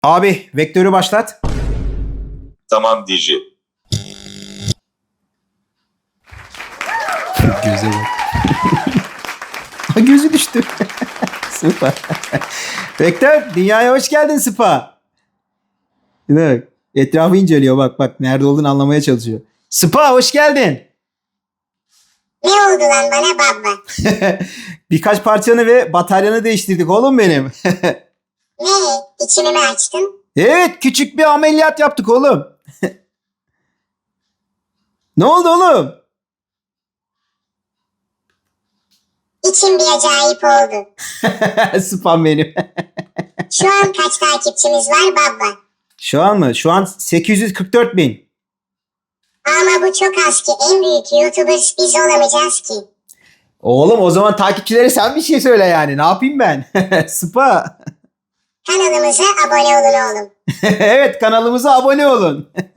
Abi vektörü başlat. Tamam DJ. Göze bak. Gözü düştü. Sıpa. Vektör dünyaya hoş geldin Sıpa. Bak, etrafı inceliyor bak nerede olduğunu anlamaya çalışıyor. Sıpa hoş geldin. Ne oldu lan bana baba? Birkaç parçanı ve bataryanı değiştirdik oğlum benim. Ne? İçini mi açtın? Evet küçük bir ameliyat yaptık oğlum. Ne oldu oğlum? İçim bir acayip oldu. Sıpam benim. Şu an kaç takipçimiz var baba? Şu an mı? Şu an 844 bin. Ama bu çok az ki, en büyük YouTubers biz olamayacağız ki. Oğlum o zaman takipçilere sen bir şey söyle yani. Ne yapayım ben? Sıpa. Kanalımıza abone olun oğlum. Evet kanalımıza abone olun.